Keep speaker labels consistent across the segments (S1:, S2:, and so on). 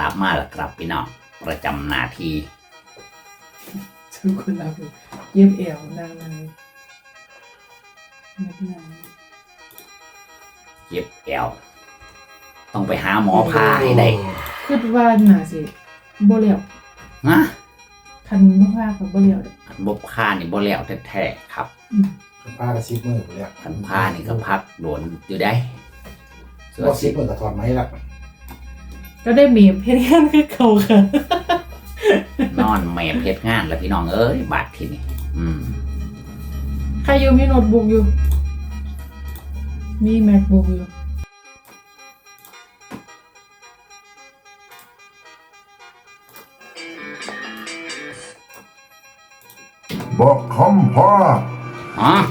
S1: บมาแล้วครับพี่น้องประจำหน้าที่
S2: ชื่อคุณรับอยู่เย็บเอวนางนายเย็บนาง
S1: เจ็บแอวต้องไปหาหมอพาให้ได้
S2: คิดว่าน่าสิบ่เลี้ยว
S1: นะ
S2: คันบ่พากับบ่เลี้ยว
S1: คันบ่พานี่บ่แล้วแท้ๆครับ
S3: ผ้ากระซิบมือไปแล้ว
S1: คันพานี่ก็พักโดนอยู่ได้ส่วน
S3: กระซิ
S1: สิ
S3: บมือกับถอดไหมล่ะ
S2: ก็ได้มีเพชรงานคือเขาค่ะ
S1: นอนแม่เฮ็ดงานแล้วพี่น้องเอ้ยบาดทีนี้
S2: ใครอยู่มีโน้ตบุ๊กอยู่ มี MacBook อยู่
S4: บอกคำพ่อ
S1: อ๋อ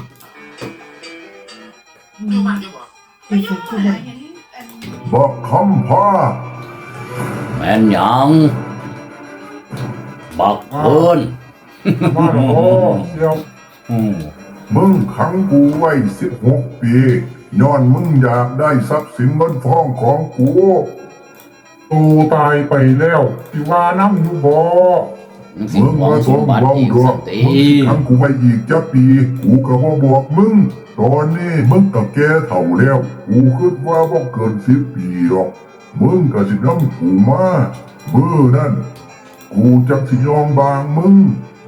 S2: เป็นสุดที่ใด
S4: บอกคำพ่อ
S1: แม่นหยังบอกเพิ่น
S4: มาโอ้เดี๋ยว
S1: อืม
S4: มึงขังกูไว้16 ปีย้อนมึงอยากได้ทรัพย์สินเงินทองของกูตูตายไปแล้วที่ว่าน้ำอยู่บ่
S1: มึงสิ
S4: มึง
S1: หวง
S4: มา
S1: ส
S4: ต้
S1: ม
S4: อง
S1: บัติ
S4: เว้า
S1: อีก
S4: ดอ
S1: สั
S4: ก
S1: กที
S4: มึงสิขังกูไว้อีกจะปี กูก็บ่บอกมึง ตอนนี้มึงก็แก่เฒ่าแล้ว กูคิดว่าบ่เกิน10 ปีหรอก มึงก็สินำกูมามื้อนั้น กูจักสิยอมบางมึง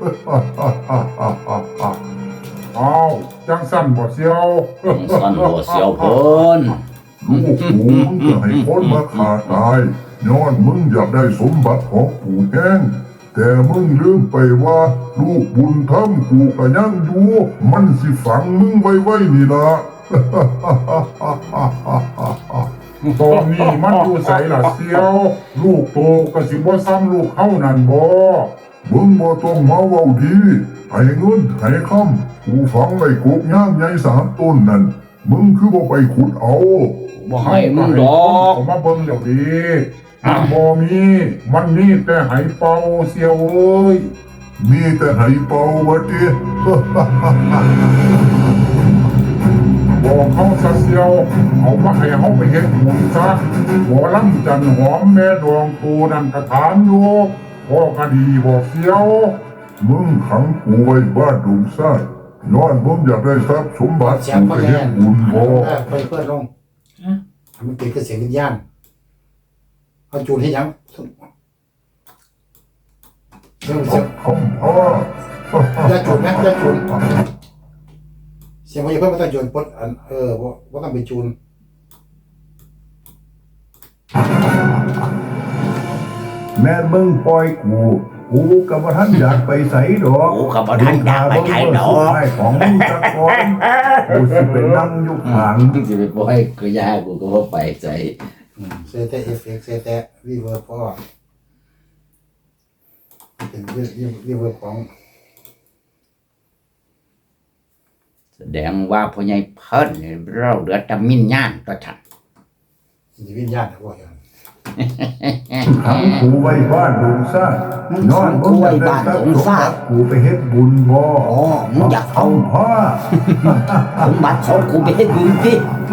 S5: อ้าวจังสั่นบ่เสียว
S1: สันบ่เสียวเพิ่น
S4: ลูกกูมึงจะให้คนมาฆ่าตายย้อนมึงอยากได้สมบัติของปู่แห้งแต่มึงลืมไปว่าลูกบุญธรรมกูก็ยังอยู่มันสิฝังมึงไว้นี่ล่ะ
S5: ตอนนี้มันอยู่ไสล่ะเสียว ลูกโตก็สิบ่ซ้ำลูกเฮานั่นบ่
S4: มึงบ่ต้องมาเว้าดีให้เงินให้คำกูฝังไว้กกย่างใหญ่3 ต้นนั่นมึงคือบ่ไปขุดเอา
S1: บ่ให้มึงดอก
S5: ผมมาเบิ่งแล้วดีมันบ่มีมันมีแต่ไหเป่าเสียวเอ้ย
S4: มีแต่ให้เป่าว่าติ
S5: บอกเขาซะเสียวเอามาให้เฮาไปเฮ็ดบุญซะบ่ลำจันหอมแม่ดวงตูนั่นกระถามอยู่พ่อก็ดีบอกเสียว
S4: มึงขังกูไว้บ้านดงซ่านย้อนมึงอยากได้ทรัพย์สมบัติ
S3: เสียง
S4: กู
S3: ก็
S4: ไป
S3: แย่
S4: เฮ็ดบุญบ่
S3: เปิดลง
S2: ฮะ
S3: ทำมันเป็นคือเสียงวิญญาณเอาจูนให้ยังเรื่องเสียง
S4: คำพ่อ
S3: อย่าจูนนะอย่าจูนเสียงว่าอย่าเพิ่งมาต้องจูนปดว่าต้องไปจูน
S4: แม่มึงปล่อยกู กูกับว่าท่านอยากไปใส่ดอก
S1: กูก็บ่ทันอยากไปไทยดอก
S4: ให้ของมึงสักก่อนกูสิไปนั่งอยู่ข้าง
S1: มึงสิไปปล่อยกูยากูก็บ่ไปใจ
S3: เซแต่เอฟเฟกเซแต่รีเวิร์บพ่อเป็นรีเวิร์บของ
S1: แสดงว่าพ่อใหญ่เพิ่นนี่เราเหลือแต่มินญาณตัวฉัน
S3: วิญญาณนะพ่ออย่าง
S4: ขังกูไว้บ้านดงซ่านนอนมึงอยากได้ทรัพย์สมบัติกูไปเฮ็ดบุญบ่
S1: อ๋อมึงอยากเอา
S4: คำพ่อ
S1: สมบัติของกูไปให้ดูสิ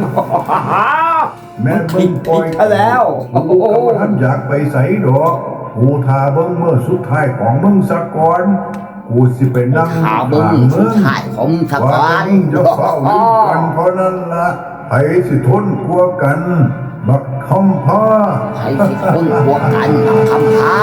S4: แม่มึงปล่อย
S1: ผิดแล้ว
S4: กูกับว่าท่านอยากไปใส่ดอกกูทาเบิ่งเมื่อสุดท้ายของมึงสักก่อนกูสิไปนั่ง
S1: ข่าวเบิ่งสุดท้ายของส
S4: ว่า
S1: การ
S4: มึงจะเฝ้าลืมกันเพราะนั้นล่ะไผสิทนกลัวกัน บักคำพ่อ
S1: ใครสิคนบวกกันกับคำพา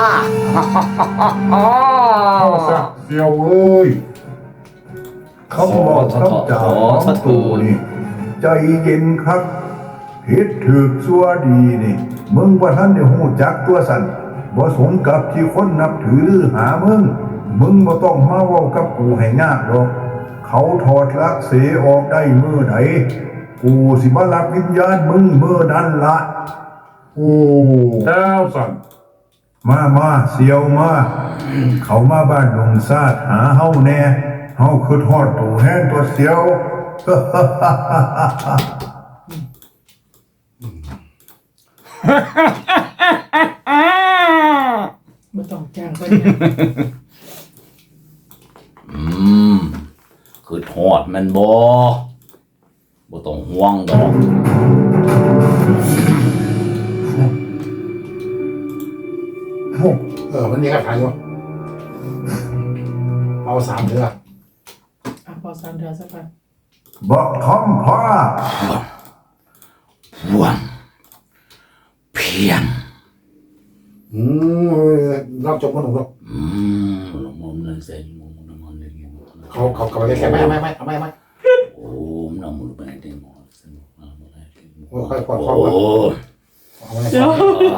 S5: เอาซะเสียวเอ้ย
S4: เขาบอกคำจ่าของตูนี่ ใจเย็นครับผิดถูกซัวดีนี่ มึงว่าท่านได้หูจักตัวสันบ่สมกับที่คนนับถือหรือหามึง มึงบ่ต้องมาเว้ากับกูให้ยากดอก เขาถอดลักเสออกได้มือไหน กูสิมารับวิญญาณมึงมือนั้นละ
S5: โอ้แล้วสั่น
S4: มาเสียวมา เขามาบ้านดงซาดหาเฮาแน่ เฮาคือทอดตู่แห้งตัวเสียว
S2: บ่ต้องจ้างเพิ่น
S1: คือทอดมันบ่ต้องห่วงดอก
S5: โอ้
S3: มันมีคาถาอยู่เอา3เดือ
S2: พอ3 เดือนสักพัก
S4: บอกคำพ่อ
S1: พวงเพียง
S3: เราจบกันหนุ่มเรา
S1: มุมนั้นเส้นมุมนั้นมันเลย
S3: เขากลับไปแค่ไม่
S1: โอ้น้ำมันไปไหนได้หมดสนุกมากเลย
S3: ค่อยๆ
S1: โอ้
S3: เอาไว้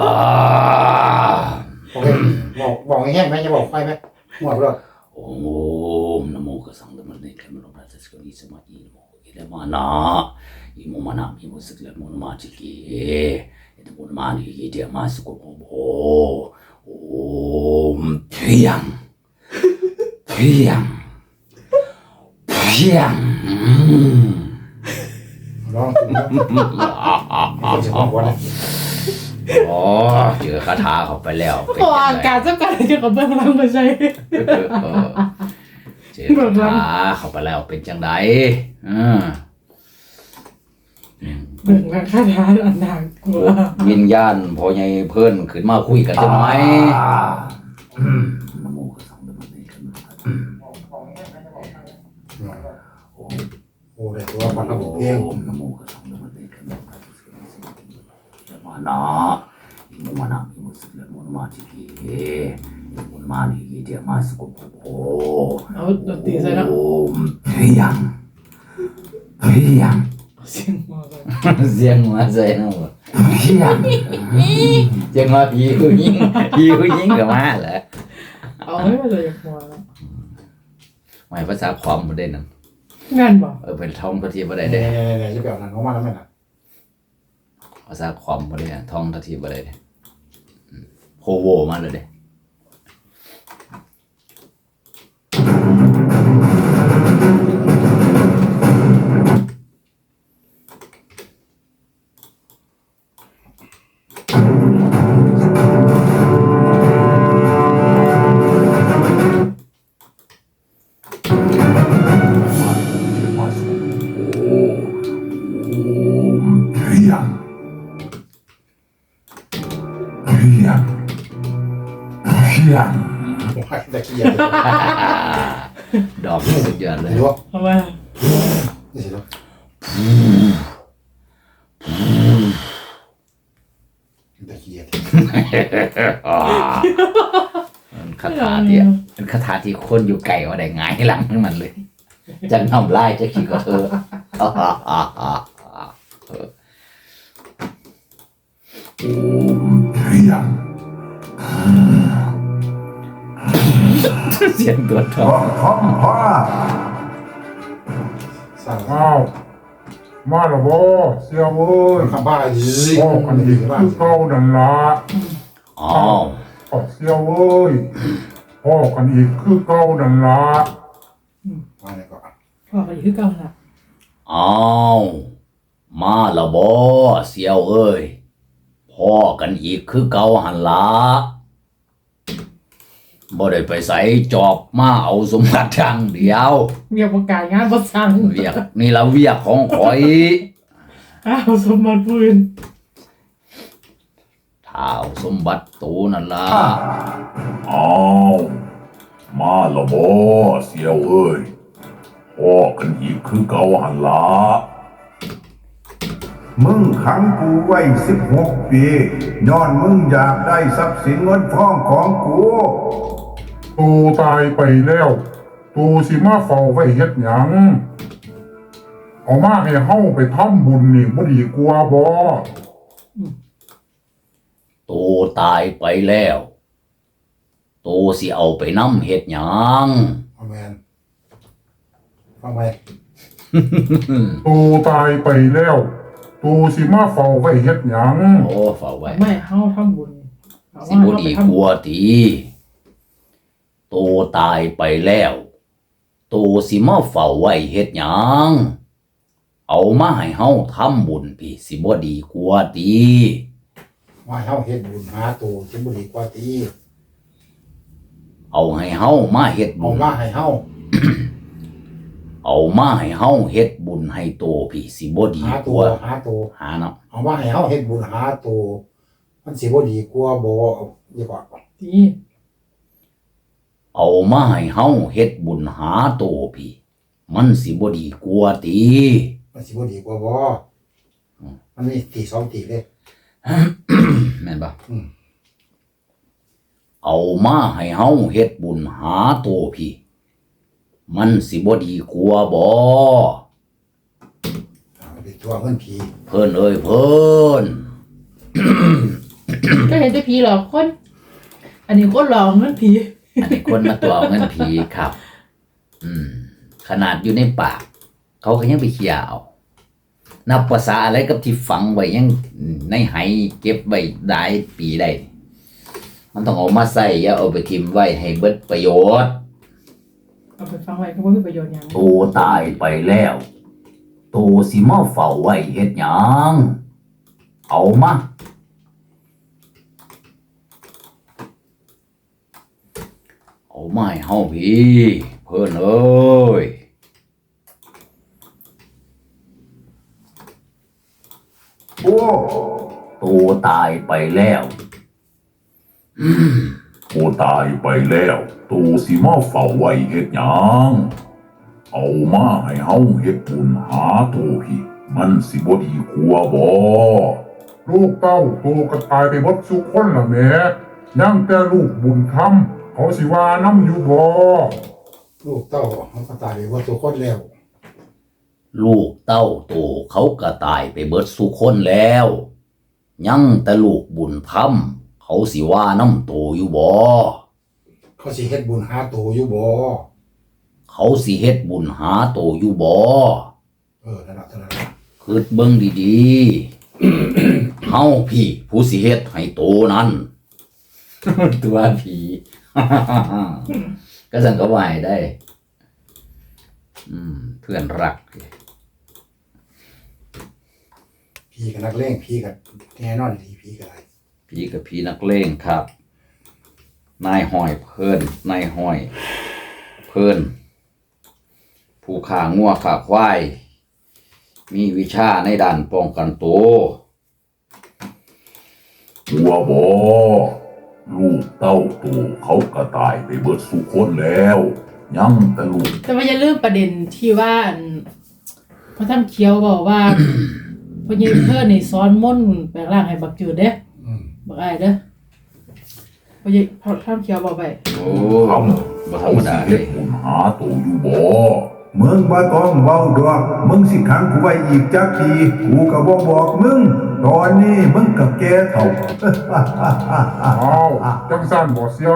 S3: โอเคบอกแห้งไหมจะบอกไฟไหมหมดแล้ว
S1: โอ้นะโมกสังธรรมะเนกะมะโนราชสกุลิสมาอิโมอิเลมานะอิโมมานะอิโมสึกเลโมนะมาจิกิอิโมนะมานิกิเดียมาสุโกโมโบโอ้เพียงเพียงเพียง
S3: ลองถึงแล้วจะบอกว่า
S1: อ๋อเจอคาถาเข้าไปแล้วเป็น
S2: พอ
S1: ยัง
S2: อา
S1: ไง
S2: กาศจะกันเกี่ยวกับเบื้องหลังมาใช่
S1: เจอคาถาเข้าไปแล้วเป็นจังไดอืม
S2: เบื้องหลังคาถาอันน่ากลัว
S1: วิญญาณพอใหญ่เพิ่นขึ้นมาคุยกันได้ไหมนะโมตัสสะภะคะวะโตอะระหะโตสัมมาสัมพุทธัสสะ
S3: โอ้ได้ตัวปันระบบเอง
S1: นะโมตัสสะภะคะวะโตอะระหะโตสัมมาสัมพุทธัสสะมานะอิโมมานะอิโมสึกเลโมนะมาจิกิอิโมนะมานิกิเดียมาสุโกโภ
S2: เอาดนตรีใส่แล้ว
S1: โอ้เพียงเพียง
S2: เสียงมาเลย
S1: เสียงมาใส่นะบ่เพียงเสียงมาผีผู้หญิงก็มาแหละ
S2: เอาให้มาเลยหัวแล้ว
S1: ไม่ภาษาความบ่ได้นั่น
S2: งานบอก
S1: เป็นท่องทัทีบ่ได้
S3: เนี่ย
S1: เด้
S3: จะแบบนั้นเขามาแล้วไหมนะ
S1: ภาษาความบ่ได้ท่องทัทีบ่ได้เด้โคโวมาเลยเด้
S3: ได้ขี้เกียจ
S1: ดอกสุดยอดเลย
S3: รู้ว่า
S2: ทำไม
S3: นี่สิเนาะได้ขี้เกียจ
S1: คาถาที่เป็นคาถาที่คนอยู่ไกลว่าได้หงายหลังให้มันเลยจะทำลายจะคิดก็เธอเสียงตัวท
S4: บ
S1: อ
S4: อง กคำพ่อ
S3: สร้าง
S5: อ้าวมาและบ่เสียเว้ย
S3: คำบ้าzi
S5: พ่อกันอีกคือเก่านั่นล่ะ
S1: อ๋อ
S5: เสียเว้ยพ่อกันอีกคือเก่านั่นล่ะ
S3: มาเนี่ยก็
S2: พ่อไปคือเก่าละ
S1: อ้าวมาและบ่เสียวเอ้ยพ่อกันอีกคือเก่าหันละบ่ได้ไปใส่จอบมาเอาสมบัติทางเดียว
S2: เมียประกาศงานประสัง
S1: เวียกนี่ละเวียกของข่อย
S2: อ้าวสมบัติปืน
S1: ท้าวสมบัติตูนั่นล่ะ
S6: อ้าวมาและบ่เสียวเอ้ยพ่อกันอีกคือเก่าหันละ
S4: มึงขังกูไว้16 ปีย้อนมึงอยากได้ทรัพย์สินเงินทองของกู
S5: ตูตายไปแล้วตูสิมาเฝ้าไว้เฮ็ดหยังเอามาให้เฮาไปทำบุญนี่บ่ดีกว่าบ่
S1: ตูตายไปแล้วตูสิเอาไปนำเฮ็ดหยัง
S3: เอาแมนฟังไป
S5: ตูตายไปแล้วตูสิมาเฝ้าไว้เฮ็ดหยัง
S1: โอ้ฝากไว้
S2: ไม่เฮาทำบุญเอา
S1: สิ
S2: ว่า
S1: บ่
S2: เฮา
S1: ดี
S2: ไป
S1: ก
S2: ทำบุ
S1: ว่า
S2: ญ
S1: ติตูตายไปแล้วตูสิมาเฝ้าไว้เฮ็ดหยังเอามาให้เฮาทำบุญพี่สิบ่ดีกว่าติ
S3: ว่าเฮาเฮ็ดบุญหาตัวที่บ่ดีกว่าตี
S1: เอาให้เฮามาเฮ็ด
S3: เอา
S1: บุญ
S3: มาให้เฮา
S1: เอามาให้เฮาเฮ็ดบุญให้โตพี่สิบ่ดี
S3: หาก ตัว
S1: ว่า
S3: หาตัว
S1: หาเนาะ
S3: เอามาให้เฮาเฮ็ดบุญหาตัวมันสิบ่ดีกว่าบ่ดีกว่า
S2: ดี
S1: เอามาให้เฮาเฮ็ดบุญหาโตพี่ มันสิบ่ดีกว่าติ
S3: มันสิบ่ดีกว่าบ่มันมีตีสองตีเลย
S1: แม่นบ่
S3: อืม
S1: เอามาให้เฮาเฮ็ดบุญหาโตพี่ มันสิบ่ดีกว่าบ่
S3: ไปตัวเงินผี
S1: เพิ่นเอ้ยเพิ่น
S2: ก็เห็นแต่ผีหลอกคน อันนี้คนหลอกนั่นผี
S1: อันนี้คนมาตัวเอาเงินผีครับ ขนาดอยู่ในปาก เขาก็ยังไปเขี่ยเอา นับภาษาอะไรกับที่ฝังไว้ยังในไหเก็บไว้ได้ปีได้ มันต้องเอามาใส่อย่าเอาไปทิมไว้ให้เบิดประโยชน์
S2: เอาไปฟังไว้ก็บ่มีประโยชน์หยัง
S1: โตตายไปแล้ว โตสิมาเฝ้าไว้เฮ็ดหยัง เอามาเอามาให้เฮาพี่เพิ่นเอ้ย
S4: โอ้
S1: โตตายไปแล้ว
S6: โอ้ตายไปแล้วตูสิมาเฝ้าไว้เฮ็ดหยังเอามาให้เฮาเฮ็ดบุญหาโตพี่มันสิบ่ดีกว่าบ่
S5: ลูกเต้าโตก็ตายไปหมดสุกคนละแหม่ยังแต่ลูกบุญธรรมเขาสิว่าน้ำอยู่บ่
S3: ลูกเต้ามันก็ตายไปว่าตัวคนแล้ว
S1: ลูกเต้าโตเขาก็ตายไปเบิดสุคนแล้ว ยังแต่ลูกบุญธรรมเขาสิว่าน้ำโตอยู่บ่
S3: เขาสิเฮ็ดบุญหาโตอยู่บ่
S1: เขาสิเฮ็ดบุญหาโตอยู่บ่
S3: นั่นล่ะ
S1: คิดเบิ่งดีๆ เฮาพี่ผู้สิเฮ็ดให้โตนั้น ตัวผี ก็สั่งก็ไหวได้ เพื่อนรัก
S3: ผีกับนักเลงผีกับแน่นอนดีผีกับอะไร
S1: ผีกับผีนักเลงครับ นายห้อยเพิ่นนายห้อย เพิ่นผู้ข่างัวข่าควาย มีวิชาในด้านป้องกันตัว
S6: กลัวบ่ลูกเต้าตูเขาก็ตายไปเบิดสุคนแล้วยังแต่ลูก
S2: แต่ว่าอย่าลืมประเด็นที่ว่าพระท่านเขียวบอกว่า พระเยซูเพิ่นนี่สอนมนต์แปลงร่างให้บักจืดเด้บักอ้ายเด้อพระท่านเขียวบอกไป
S1: โอ้บ่ธรรมดาเล
S6: เฮ็ด
S1: ย
S6: บุญหาโตอยู่บ่
S4: มึงบ่ต้องเว้าดอกมึงสิขังกูไว้อีกจักปีกูก็บ่บอกมึงตอนนี้มึงก็แก่เฒ่า
S5: อ้าวจังสั่นบ่เสียว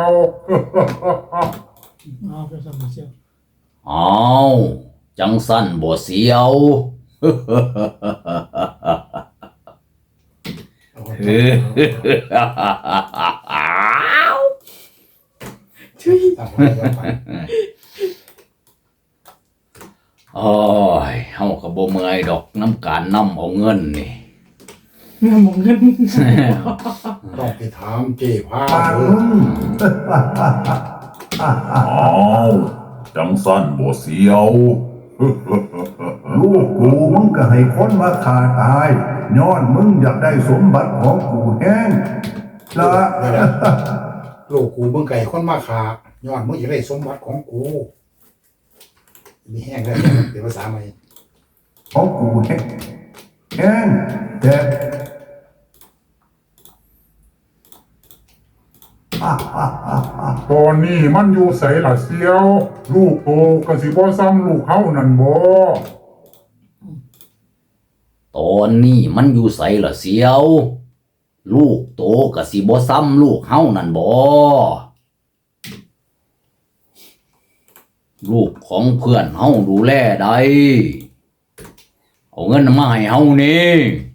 S2: อ๋อเป็นสมเสียว
S1: อ้าวจังสั้นบ่เสียว
S2: ช่วย
S3: ตามคนเดียวไป
S1: โอ้ยเฮาก็บ่เมื่อยดอกน้ำการนำเอาเงินนี่
S2: งามเงิน
S3: ต้องไปถามเจ้พา
S4: ปาก
S3: เด้
S4: มึ
S3: อง
S6: อ้าวจังสั้นบ่เสียว
S4: ลูกกูมึงก็ให้คนมาฆ่าตายย้อนมึงอยากได้สมบัติของกูแห้งละ
S3: ลูกกูเบิ่งไก่คนมาขาย้อนมึงอยากได้สมบัติของกูมีแห้งได้เป็นภาษาใหม่
S4: ของกูแห้งแห้งแต่
S5: ตอนนี้มันอยู่ไสล่ะเสียว ลูกโตก็สิบ่ซ้ำลูกเฮานั่นบ่
S1: ตอนนี้มันอยู่ไสล่ะเสียว ลูกโตก็สิบ่ซ้ำลูกเฮานั่นบ่ลูกของเพื่อนเฮาดูแลได้เอาเงินมาให้เฮานี่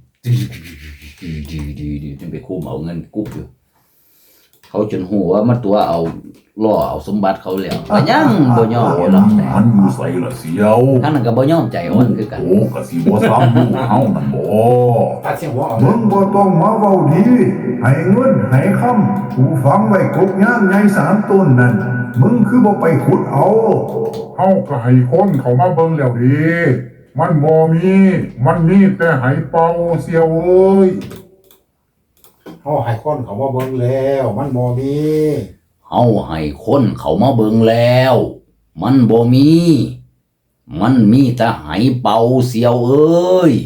S1: ดีๆๆๆไปคุมเอาเงินกุ๊บอยู่เขาจนหัวมันตัวเอาล่อเอาสมบัติเขาแล้วก็ยังบ่ยอม
S6: ตอน
S1: หรอก
S6: นี้มันอยู่ไสล่ะเสียว
S1: ทั้งนั้นก็บ่ยอมใจอ่อนคือกัน
S6: โตก็สิบ่ซ้ำลูกเฮานั่นบ่
S3: ตัดเสียงหัวออก
S4: มึงบ่ต้องมาเว้าดีให้เงินให้คำกูฟังไว้กบย่างใหญ่3ต้นนั่นมึงคือบ่ไปขุดเอา
S5: เฮาก็ให้คนเขามาเบิ่งแล้วเดิมันบ่มี มันมีแต่ไหเป่าเสียวเอ้ย
S3: เฮาให้คนเขามาเบิ่งแล้วมันบ่มี
S1: เฮาให้คนเขามาเบิ่งแล้ว มันบ่มี มันมีแต่ไหเป่าเสียวเอ้ย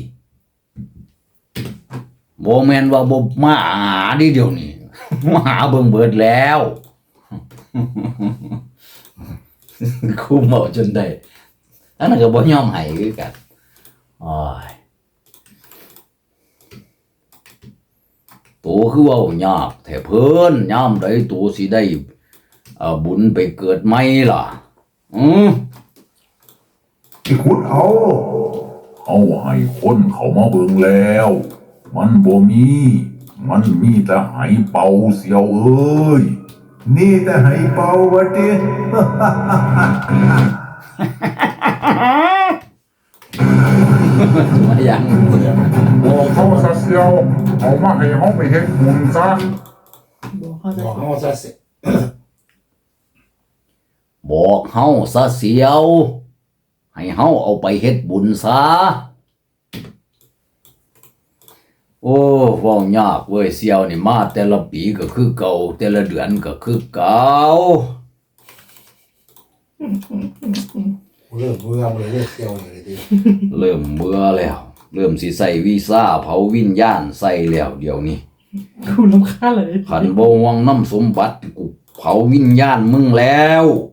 S1: บ่แม่นว่าบ่มาหาดิเดี๋ยวนี้ มาหาเบิ่งเบิดแล้ว คุมเอาจนได้อันนั้นก็บ่ยอมให้คือกันโอ้ยตัวคือเว้ายากแท้เพิ่นยามใดตัวสิได้บุญไปเกิดใหม่ล่ะ
S4: ที่ขุดเอา
S6: เอาให้คนเขามาเบิ่งแล้ว มันบ่มี มันมีแต่ไหเป่าเสียวเอ้ย
S4: นี่แต่ให้เป่าวะติ
S1: มาอย่างเบื่อ
S5: บอกเขาซะเสียวเอามาให้เฮาไปเฮ็ดบุญซะ
S2: บอกเขาจะ
S3: บอกเฮาซะสิ
S1: บอกเฮาซะเสียว ให้เฮาเอาไปเฮ็ดบุญซะโอ้เว้ายากเว้ยเสียวนี่มาแต่ละปีก็คือเก่าแต่ละเดือนก็คือเก่า
S3: เริ่มเบื่อเลยเลิกเที่ยวเลยดิ
S1: เริ่มเบื่อแล้ว เริ่มสิใส่วีซ่าเผาวิญญาณใส่แล้วเดี๋ยวนี้
S2: กูรำคาญเลย
S1: ขันบ่ห่วงน้ำสมบัติกูเผาวิญญาณมึงแล้ว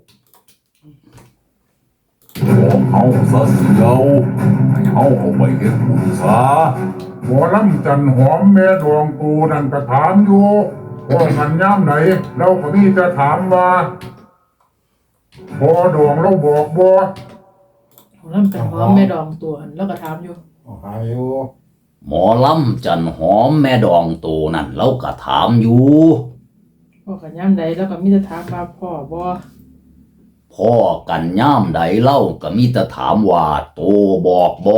S6: บอกเอาซะเสียวให้เอาไปเฮ็ดบุญซะ
S5: หมอลำจันหอมแม่ดวงตูนั่นก็ถามอยู่ว่ามันย่ำไหนเราก็มีจะถามว่าพอดวงเราบอกบ่
S2: ผมเริ่มเป็นหอมแม่ดองตัวหันแล้วก็ถามอยู่
S3: หาอยู่
S1: หมอลำจันหอมแม่ดองโตนั่นเราก็ถามอยู่
S2: พ่อกันย่ำใดแล้วก็มีแต่ถามว่าพ่อบ่
S1: พ่อกันย่ามใดเล่าก็มีแต่ถามว่าโตบอกบ่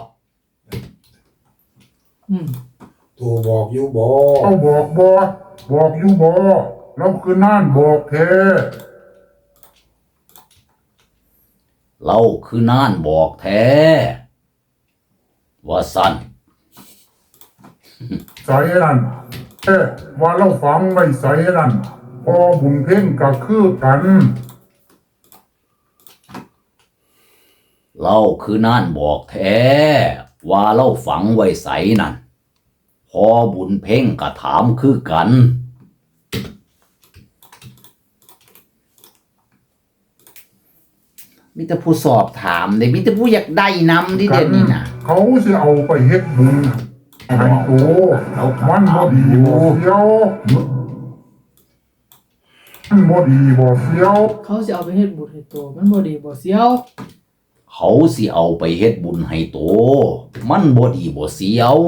S3: ตัวบอกอยู่บ่
S5: เขาบอกบ่บอกอยู่บ่เราคือน่านบอกแท้
S1: เราคือน่านบอกแท้ว่าสั่น
S5: ใส่นั่นว่าเราฝังไว้ใส่นั่นพอบุญเพ่งก็คือกัน
S1: เราคือน่านบอกแท้ว่าเราฝังไว้ใสนั่นพอบุญเพ่งก็ถามคือกันมีแต่ผู้สอบถามเด้มีแต่ผู้อยากได้นำดิเด่นนี่นะ
S5: เขาสิเอาไปเฮ็ดบุญให้โตมันบ่ดีบ่เสียวมันบ่ดีบ่เสียว
S2: เขาจะเอาไปเฮ็ดบุญให้ตัวมันบ่ดีบ่เสียว
S1: เขาสิเอาไปเฮ็ดบุญให้โตมันบ่ดีบ่เสียว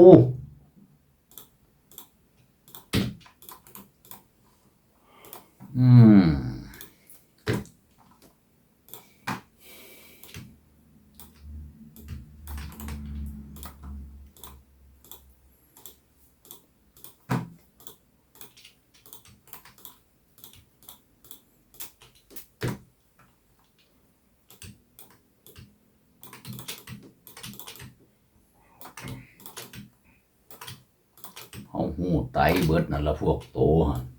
S1: เฮาฮู้ไตเบิดนั่นละพวกโตหั่น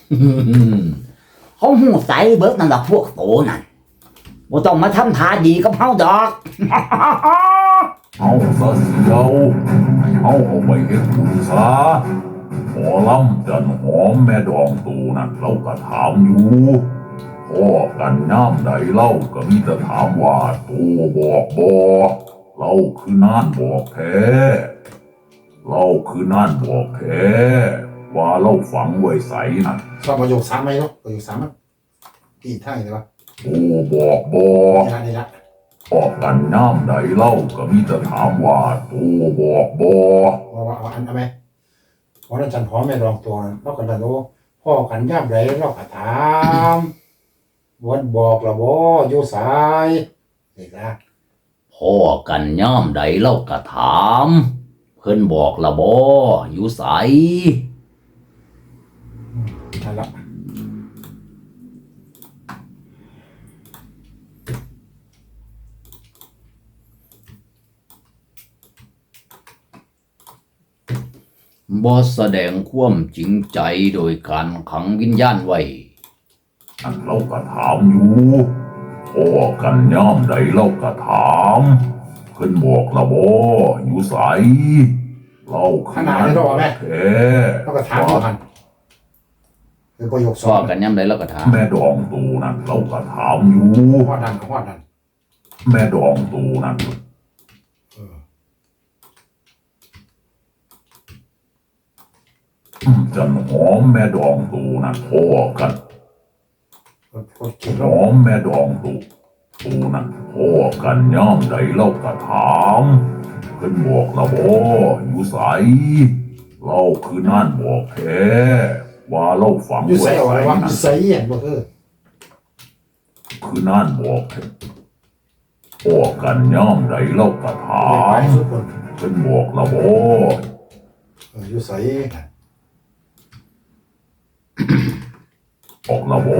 S1: เขาฮู้ไตเบิดนั่นละพวกโตนั่นบ่ต้องมาทำท่าดีกับเฮาดอก
S6: เอาซะเสียวให้เอาไปเฮ็ดบุญซะหมอลำจันหอมแม่ดองตูนั่นเราก็ถามอยู่พ่อกันย่ำใดเล่าก็มีแต่ถามว่าตูบอกบ่เราคือน่านบอกแท้เราคือน่านบอกแท้ว่าเราฝังไว้ใสนั่น
S3: ชอบประโยค3ไหมเนาะประโยค3มันตีท้ายเลยวะ
S6: ตูบอกบ่
S3: นี่ละ
S6: บอกกันย่ำใดเล่าก็มีแต่ถามว่าตูบอกบ่
S3: ว่าอันเอาไหมวันนั้นจันหอมแม่รองตัวเราก็ได้รู้พ่อกันย่ำไรเราก็ถามวันบอกละบ่อยู่สายนี่ละ
S1: พ่อกันย่ามใดเล่าก็ถามเพิ่นบอกละบ่อยู่ไส
S3: นั่นละ
S1: บ่แสดงความจริงใจโดยการขังวิญญาณไว้
S6: อันเราก็ถามอยู่พ่อกันย่อมใดเราก็ถามเพิ่นบอกละบ่อยู่ไสเราคือนั่นบอกแท้
S3: เราก็ถามอยู่กันคือประโยคส
S1: พ่อ
S3: อง
S1: กันย่ำใดแล้วก็ถาม
S6: แม่ดองตูนั่นเราก็ถามอยู่
S3: ฮอดดัน
S6: แม่ดองตูนั่น จันหอมแม่ดองตูนั่นพ่อกัน
S3: คนเก่ง
S6: หอมแม่ดองตูนั่นพ่อกันย่อมใดเราก็ถามเพิ่นบอกละบ่อยู่ไสเราคือนั่นบอกแท้ว่าเราฝัง
S3: อยู่ใส่
S6: ไว้
S3: เอาไว้
S6: ไส
S3: ว่าอ
S6: นั่
S3: ยู่
S6: น
S3: ใส่เห็นบ่
S6: คือนั่นบอกแท้พ่อกันย่อมใดเราก็ถา
S3: ไป
S6: ม
S3: สุดคน
S6: เพิ่นบอกละบ่
S3: อยู่ใส่
S6: บอกละบ่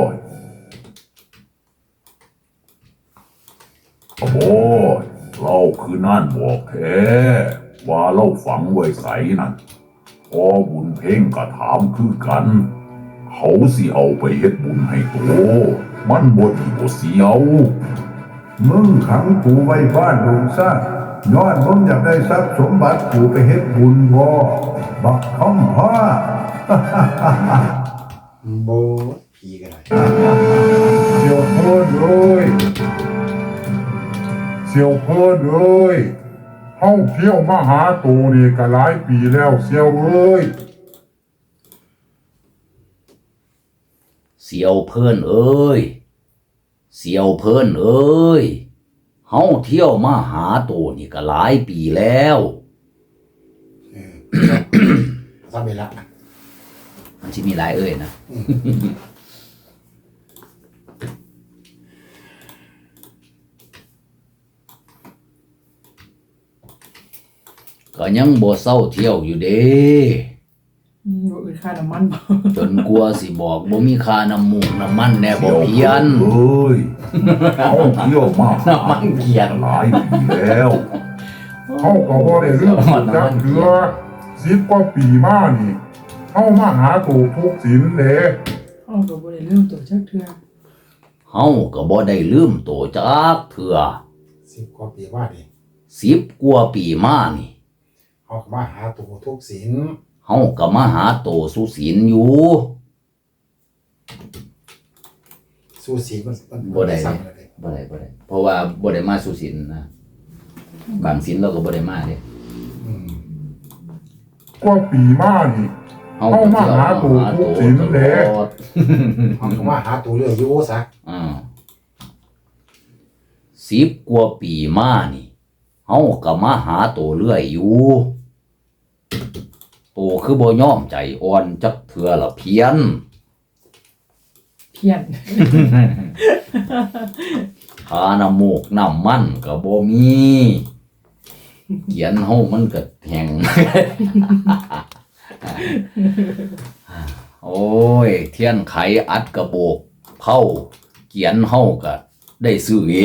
S6: ละบ่เราคือนั่นบอกแท้ว่าเราฝังไว้ไสนั่นพอบุญเพ่งก็ถามคือกัน เขาสิเอาไปเฮ็ดบุญให้โตมันบ่ดีบ่เสียว
S4: มึงขังกูไว้บ้านดงซ่าย้อนมึงอยากได้ทรัพย์สมบัติกูไปเฮ็ดบุญบ่บักคำพ่อ
S3: โบผีกันเลย
S5: เสี่ยวเพิ่นเอ้ยเสี่ยวเพิ่นเอ้ยเฮาเที่ยวมาหาตูนี่ก็หลายปีแล้วเสี่ยวเอ้ย
S1: เสียวเพิ่นเอ้ยเสียวเพิ่นเอ้ยเฮาเที่ยวมาหาตัวนี่ก็หลายปีแล้ว
S3: ทำไปละ
S1: มันสิมีหลายเอ้ยนะ ก็ยังบ่เศร้าเที่ยวอยู่เด้
S2: บ่อื่นค่าน้ำมันบ่
S1: จนกลัวสิบอกบ่มีค่าน้ำมูกน้ำมันแน่บ่เพียน
S6: เอ้ยเขาเที่ยวมา
S1: น้ำมันเกียร
S6: หลายปีแล้ว
S5: เฮาก็บ่ได้เรื่องสุดจักเถื่อ10 กว่าปีมานี่เฮามาหาตูทุกศีลเด้
S2: เฮาก็บ่ได้ลืมตัวจักเทื่อ
S1: เฮาก็บ่ได้ลืมโตจักเทื่อ
S3: 10 กว่าปีว่าดิ
S1: 10 กว่าปีมานี่
S3: เขาก็มาหาตัวทุกศีล
S1: เฮาก็มาหาโตสุศีลอยู่
S3: สู้ศีลมัน
S1: บ่ได้
S3: สั่งเลย
S1: บ่ได้เพราะว่าบ่ได้มาสุศีลนะบางศีลเราก็บ่ได้มาเด้
S5: กว่าปีมานี่
S1: เฮาก็เที่ยวมาหาโตทุกศีลเด้
S3: เขาก็มาหาตัวเรื่อยอยู่ซะ
S1: 10 กว่าปีมานี่เฮาก็มาหาโตเรื่อยอยู่โตคือบ่ยอมใจอ่อนจักเทื่อละเพียน
S2: เพี้ยน
S1: ค่าน้ำมูกน้ำมันก็บ่มีเขียนเฮามันก็แห้ง โอ้ย เทียนไขอัดกระโบกเผาเขียนเฮาก็ได้ซื้อเอง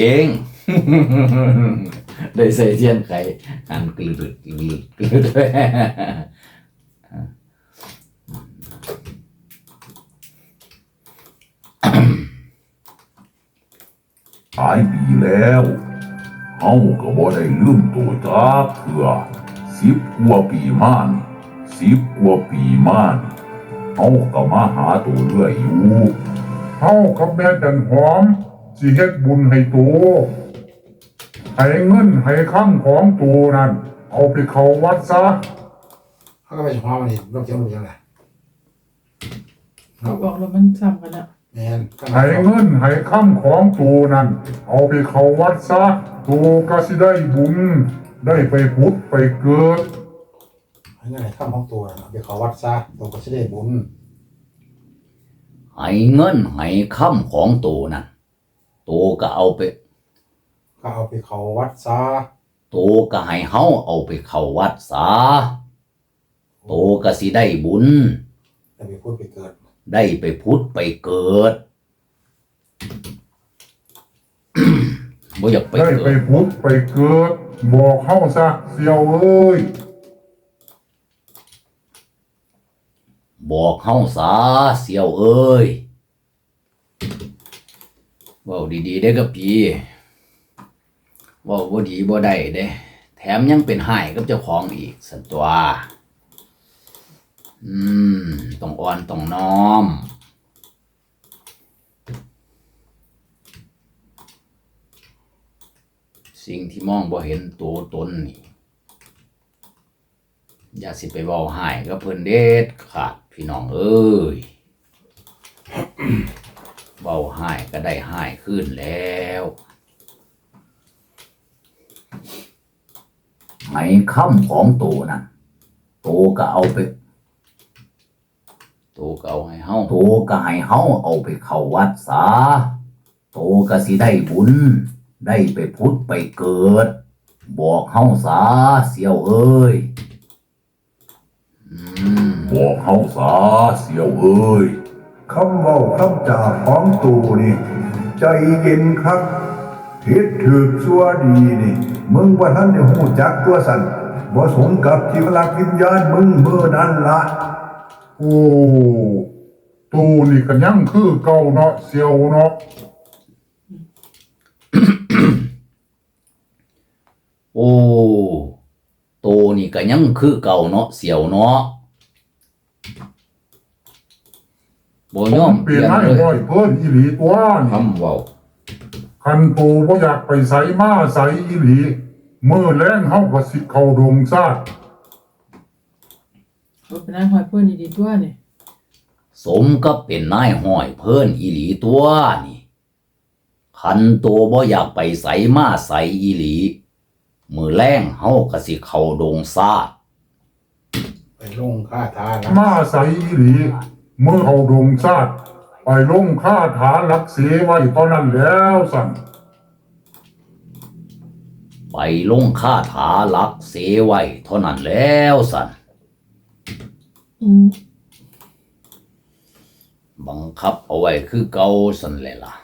S1: ได้ใส่เทียนไขอันกลืดด้วย
S6: หลายปีแล้วเฮาก็บ่ได้ลืมตัวจักเถื่อ10 กว่าปีมานี่10 กว่าปีมานี่เฮาก็มาหาตัวเรื่อยอยู่
S5: เฮากับแม่จันหอมสิเฮ็ดบุญให้ตูให้เงินให้คำของตูนั่นเอาไปเข้าวัดซะ
S3: เขาก็ไปเฉพาะมันนี่เราเกี่ยวกับยังไง
S2: เขาบอกแล้วมันซ้ำกันแล้ว
S3: แม่นก็
S5: ให้เงินให้คำของตูนั่นเอาไปเข้าวัดซะตูก็สิได้บุญได้ไปผุดไปเกิด
S3: ให้เงินให้ข้ามของตัวน่ะเอาไปเขาวัดซะตัวก็จะได้บุญ
S1: ให้เงินให้คำของโตนั่นโตก็เอาไป
S3: ก็เอาไปเขาวัดซะ
S1: โตก็ให้เฮาเอาไปเข้าวัดซะโตก็สิได้บุญ
S3: แล้วไปพูดไปเกิด
S1: ได้ไปพุทธไปเกิด บ่อยากไป
S5: ได้
S1: เกิ
S5: ไป
S1: ด
S5: ผุดไปเกิดบอกเฮาซะเสี่ยวเอ้ย
S1: บอกเฮาซะเสี่ยวเอ้ยเว้าดีๆเด้อกับพี่เว้าบ่ดีบ่ได้เด้แถมยังเป็นให้กับเจ้าของอีกสันตัวต้องอ่อนต้องน้อมสิ่งที่มองบ่เห็นตัวตนนี่อย่าสิไปเว้าให้กับเพิ่นเด็ดขาดพี่น้องเอ้ย เว้าให้ก็ได้ให้ขึ้นแล้วไอ้คำของโตนั่นโตก็เอาไปโตก็เอาให้เฮาโตก็ให้เฮาเอาไปเข้าวัดซะโตก็สิได้บุญได้ไปพุทธไปเกิดบอกเฮาซะเสี่ยวเอ้ย
S6: บอกเฮาซะเสี่ยวเอ้ย
S4: คำเว้าคำจาของตูนี่ใจเย็นครับผิดถูกชั่วดีนี่มึงว่าท่านได้หูจักตัวสันบ่สมกับที่ลักวิญญาณมึงเมื่อนั้นละ
S5: โอ้ตูนี่ก็ยังคือเก่าเนาะเสียวเนาะ
S1: โอ้โตนี่ก็ยังคือเก่าเนาะเสี่ยวเนาะบ่ยอม
S5: เปลี่ยนให้บ่อยเพิ่นอีหลีตัวนี่
S1: คำเว้า
S5: คันปูบ่อยากไปไสมาไสอีหลีมื้อแลงเฮาก็สิเข้าดงซาด
S2: เขาเป็นนายหอยเพื่อนดีๆตัวนี่
S1: สมกับเป็นนายห้อยเพิ่นอีหลีตัวนี่คันโตบ่อยากไปไสมาไสอีหลีมื้อแลงเฮาก็สิเข้าดงซาด
S3: ไปลงค่าทานะ
S5: มาไสอีหลีมื้อเข้าดงซาดไปลงคาถารักเสไว้เท่านั้นแล้วสั่น
S1: ไปลงคาถาลักเสไว้เท่านั้นแล้วสันบังคับเอาไว้คือเก่าสันเลยล่ะ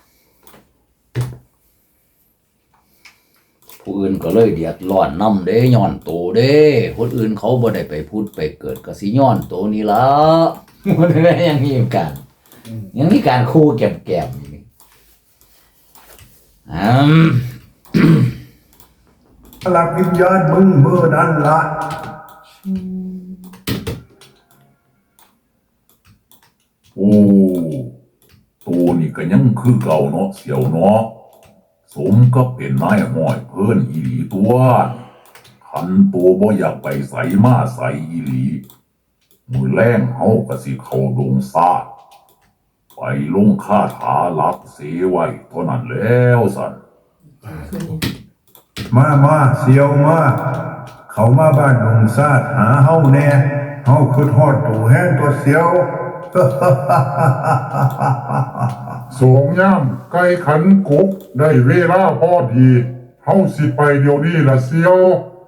S1: ผู้อื่นก็เลยเดือดร้อนนำเด้ย้อนโตเด้คนอื่นเขาบ่ได้ไปพูดไปเกิดก็สิย้อนโตนี่ล่ะ มันยังมีการคู่แก็บๆอยู่นี่
S4: ลักวิญญาณมึงเมื่อนั้นละ
S6: โอ้ตูนี่ก็ยังคือเก่าเนาะเสี่ยวเนาะสมกับเป็นนายห้อยเพิ่นอีหลีตัวคันตัวบ่อยากไปไสมาไสอีหลีมื้อแลงเฮาก็สิเข้าดงซาดไปลงคาถาลักเสไว้เท่านั้นแล้วสั่น
S4: มาเสียวมาเขามาบ้านหงซาดหาเฮาแน่เฮาคือทอดตูแห้งตัวเสียว
S5: สองยามไก่ขันกกได้เวลาพอดีเฮาสิไปเดี๋ยวนี้ล่ะเสียว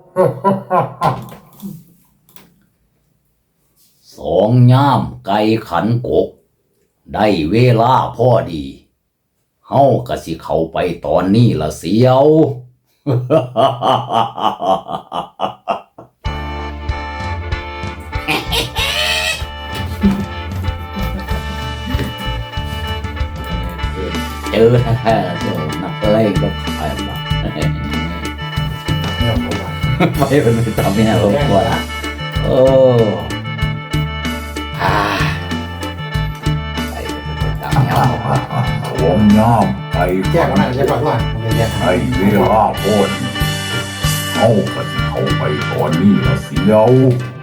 S1: สองย่ามไก่ขันกกได้เวลาพอดีเฮาก็สิเข้าไปตอนนี้ละเสียว เจอนักเล่นก็ขายมา
S3: เนี่ยผมว่า
S1: ไม่เป็นไปตามเนี่ยผมกลัวนะโอ้ไอ้เป็นไปตามเนี่ย
S6: สองยามไป
S3: แยกกันได้ใช่ป่ะว่ามันจะแยกกัน
S6: ให้เวลาพ้นเฮาก็สิเข้าไปตอนนี้ละเสียว